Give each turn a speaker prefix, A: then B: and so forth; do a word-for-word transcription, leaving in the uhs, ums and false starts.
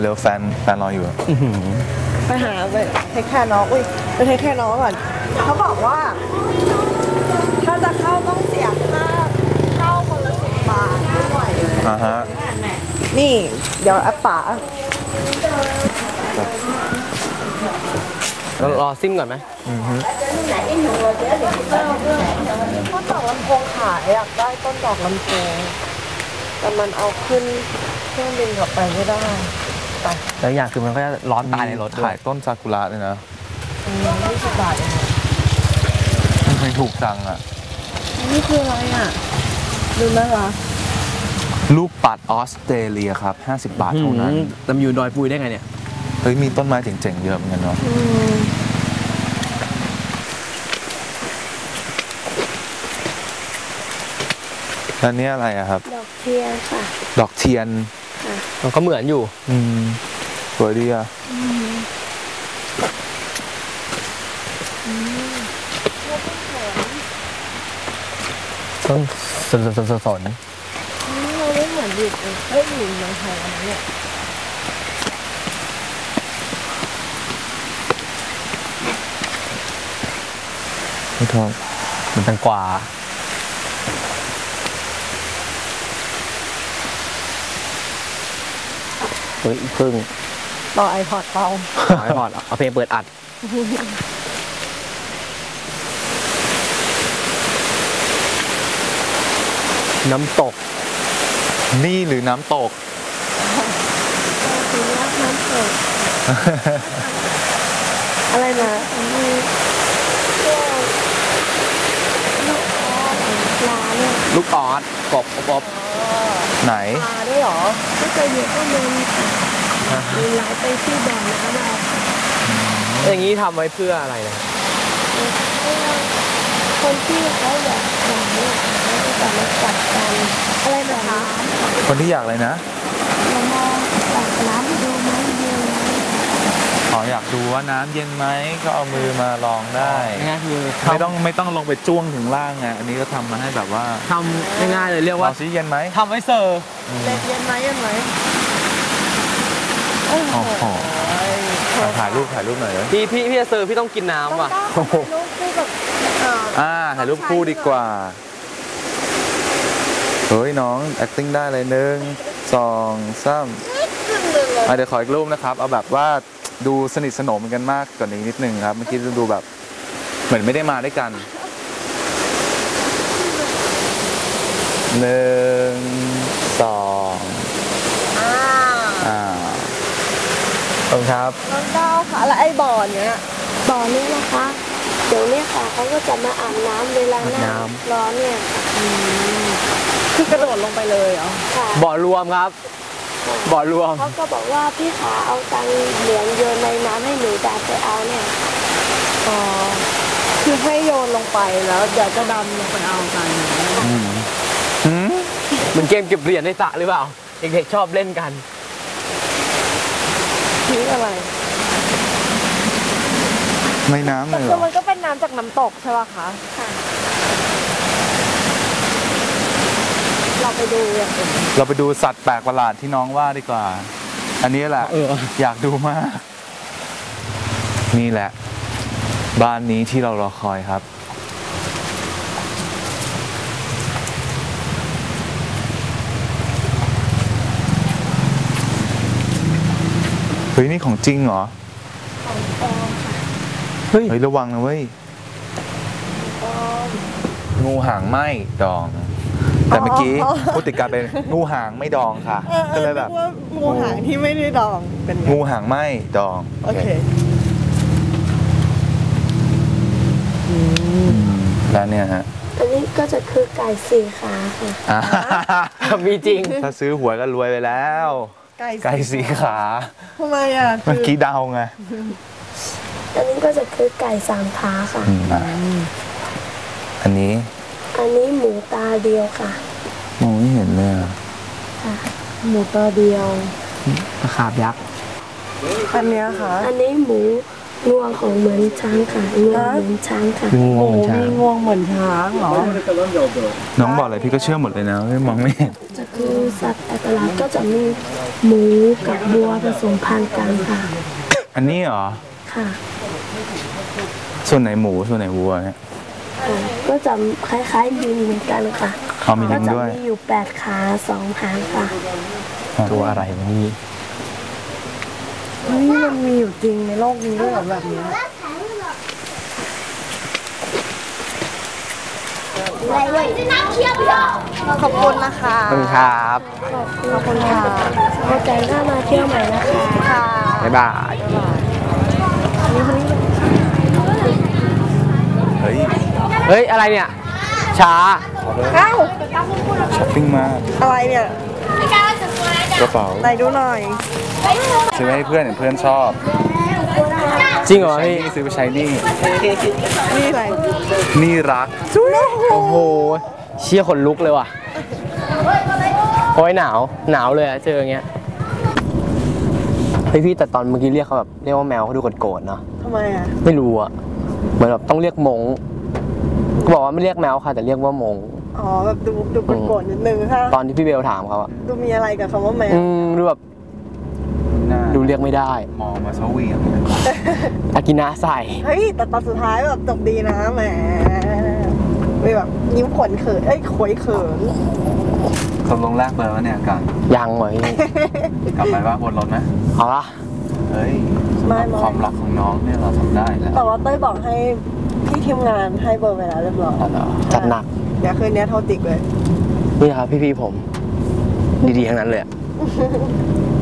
A: เร็วแฟนแฟนรออยู่
B: ไปหาไปเทคแคร์น้องอุ้ยไปเทคแคร์น้องก่อนเขาบอกว่าถ้าจะเข้าต้องเสียค่าเข้าคนละสิบบาทไม่ไหว
A: อ่าฮะ
B: นี่เดี๋ยวอาป๋า
C: เรารอซิมก่อนไหม
B: อือฮึต้นดอกลำโพงขายอยากได้ต้นดอกลำโพงแต่มันเอาขึ้นเครื่องบินกลับไปไม่ได้ไป
C: แล้วอย่างคือมันก็จะร้อนตายในรถ
A: ขายต้นซากุระเลยนะ
B: ยี่สิบบาทเอง
A: ทำไมถูกจังอ่ะ
B: นี่คืออะไรอ่ะดูไหมคะ
A: ลูกปัดออสเตรเลียครับห้าสิบบาทเท่านั้น
C: ลำยูดอยปุยได้ไงเนี่ย
A: เฮ้ยมีต้นไม้เจ๋งๆเยอะเหมือนกันเนาะแล้วนี่อะไรอะครับ
D: ดอกเทียนค่ะ
A: ดอกเทียน
C: มันก็เหมือนอยู่
A: อืมสวยดีอะ
C: ต้นสนสนสนสน
B: เราไม่เหมือนอยู่เฮ้ยอยู่เมืองไทยอันนี้เนี่ย
A: ไม่ทอง
C: มันแตงกวาเฮ้ยพึ่ง
B: ต่อไอพอดเปล่า
C: ไอพอดเอาเพลงเปิดอัดน้ำตก
A: นี่หรือน้ำตก
D: สีรักน้ำตก
B: อะไรนะ
D: มีพวกลูกออสปลาเนี่ย
C: ลูกออสกบกบ
A: ไหน
B: ปลาด้วยหรอ
D: ก็จะอยู่ข้างบนค่ะมีหลายไปที่บ่อน้ำเรา
C: อย่างนี้ทำไว้เพื่ออะไรนะ
D: คนที่เขาอยากอย่างนี้เขาจะมาจัดการอะไรนะคะ
A: คนที่อยากอะไรนะ
D: เรามองจากน้ำดูไหมดู
A: อ๋ออยากดูว่าน้ำเย็นไหมก็เอามือมาลองได้ไม่ต้องไม่ต้องลงไปจ้วงถึงล่างไงอันนี้ก็ทำมาให้แบบว่า
C: ทำง่ายๆเลยเรียกว่า
A: ซีเย็นไหม
C: ทำไว้เซอร์
B: เล็กเย็นไหมเย็นไหม
A: โอ้โหถ่ายรูปถ่ายรูปหน่อยเลย
C: พี่พี่พี่จะเซอร์พี่ต้องกินน้ำว่ะ
B: ถ่ายรูปคู่กับ
A: อ่าถ่ายรูปคู่ดีกว่าเฮ้ยน้อง acting ได้เลยหนึ่งสองสามเดี๋ยวขออีกรูปนะครับเอาแบบว่าดูสนิทสนมกันมากกว่านี้นิดนึงครับเมื่อกี้ดูแบบเหมือนไม่ได้มาด้วยกันหนึ่งสอง
B: อ่า
A: อ่า
C: ขอบคุณครับ
B: น้องดาวค่ะแล้วไอ้บ่อเนี้ย
D: บ่อนี้นะคะเดี๋ยวนี้ค่ะเขาก็จะมาอาบน้ำเวลาหน้าร้อนเนี่ย
B: คือกระโดดลงไปเลยเหรอ
D: ค่ะ
C: บ่อรวมครับบ่อรวม
D: เขาก็บอกว่าพี่ขาเอาตังเหรียญโยนในน้ำให้หนูดำไปเอาเนี่ย
B: อ๋อคือให้โยนลงไปแล้วเดี๋ยวจะดำลงไปเอากัน
C: เหมือนเกมเก็บเหรียญในสระหรือเปล่าเด็กๆชอบเล่นกัน
B: นี่อะไร
A: ไม่น้ำเลยเหรอ
B: มันก็เป็นน้ำจากน้ำตกใช่ป่ะคะ
D: ค่ะ
B: เราไปดูอย่างอื่น
A: เราไปดูสัตว์แปลกประหลาดที่น้องว่าดีกว่าอันนี้แหละอยากดูมากนี่แหละบ้านนี้ที่เรารอคอยครับเฮ้ยนี่ของจริงเหรอ
D: ของปลอมค่ะ
A: เฮ้ยระวังนะเว้ยงูหางไหมดองแต่เมื่อกี้พูดติดกันเป็นงูหางไม่ดองค่ะก็เลยแบบ
B: งูหางที่ไม่ได้ดองเป็น
A: งูหางไหมดอง
B: โอเค
A: แล้วเนี่ยฮะ
D: อันนี้ก็จะคือไก่สี่ขาค่ะ
C: มีจริง
A: ถ้าซื้อหวยก็รวยไปแล้วไก่สี่ขา
B: ทำไมอ่ะ
A: เมื่อกี้เดาไง
D: อันนี้ก็จะคือไก่สามขาค่ะ
A: อันนี้
D: อันนี้หมูตาเดียวค่ะ
A: มองไม่เห็นเลย
D: ค่ะ
B: หมูตาเดียว
C: ตะขาบยักษ์
B: อันนี้ค่ะ
D: อันนี้หมูงวงของเหมือนช้างค่ะงวงเหมือนช้างค่ะ
C: งู
B: โอ้
C: เหมือนช้าง
B: มีงวงเหมือนช้างเหรอ
A: น้องบอกอะไรพี่ก็เชื่อหมดเลยนะไม่มองไม่เห็น
D: จะคือสัตว์อัตลักษณ์ก็จะมีหมูกับบัวผสมพันธุ์กันค่ะ
A: อันนี้เหรอ
D: ค่ะ
A: ส่วนไหนหมูส่วนไหนวัวเนี่ย
D: อ่าก็จะคล้ายๆลิงเหมือนกันค่ะ
A: เอามีลิ
D: ก็
A: ง
D: จะ
A: ด้วย
D: มีอยู่แปดขาสองหางค่ะ
C: ตัวอะไรวะนี่
B: เฮ้ยมันมีอยู่จริงในโลกนี้ด้วยเหรอแบบนี้ ขอบคุณนะคะ
C: ขอบคุณครับ
B: ขอบคุณค่ะ
D: เข้าใจหน้ามาเที่ยวใหม่นะคะ
B: ค่ะ
C: บ๊ายบาย
A: เฮ้ย
C: เฮ้ย อะไรเนี่ย ช้า
B: เอ้า
A: ช้อปปิ้งมาก
B: อะไรเนี่ย
A: กระเป๋า
B: ไหนดูหน่อย
A: ซื้อให้เพื่อนเห็นเพื่อนชอบ
C: จริงเหรอพี่
A: นี่ซื้อไปใช้หนี่
B: นี่อะไร
A: นี่รัก
C: โอ้โห เชี่ยขนลุกเลยว่ะ โอ้ยหนาว หนาวเลยอะเจออย่างเงี้ย เฮ้ยพี่แต่ตอนเมื่อกี้เรียกเขาแบบเรียกว่าแมวเขาดูโกรธๆเนาะ
B: ทำไมอ่ะ
C: ไม่รู้อะเหมือนแบบต้องเรียกมงก็บอกว่าไม่เรียกแมวค่ะแต่เรียกว่ามง
B: อ๋อแบบดูดูโกรธๆนิดนึงค่ะ
C: ตอนที่พี่เบลถามเขาอะ
B: ดูมีอะไรกับคำว่าแมว
C: อืมดูแบบ
A: หน้า
C: ดูเรียกไม่ได้
A: มองมาสวีท
C: อากินะใส่
B: เฮ้ยแต่ตอนสุดท้ายแบบจบดีนะแหมไม่แบบยิ้มขนเขินเอ้ยขวยเขิน
A: ตกลงแรกเบอร์วะเนี่ยกัน
C: ยังเหรอพี่
A: กลับไปว่าบนรถไหม
C: เอาละ
A: เฮ้ยสำหรับความรักของน้องเนี่ยเราทำได้แล้ว
B: แต่ว่าเต้ยบอกให้พี่ทีมงานให้เบอร์ไปแล้วเรียบร้อย
C: เอาเหรอจัดหนัก
B: เดี๋ยวคืนนี้โทรจิกเลย
C: นี่ครับพี่ๆผม ดีๆทั้งนั้นเลยอะ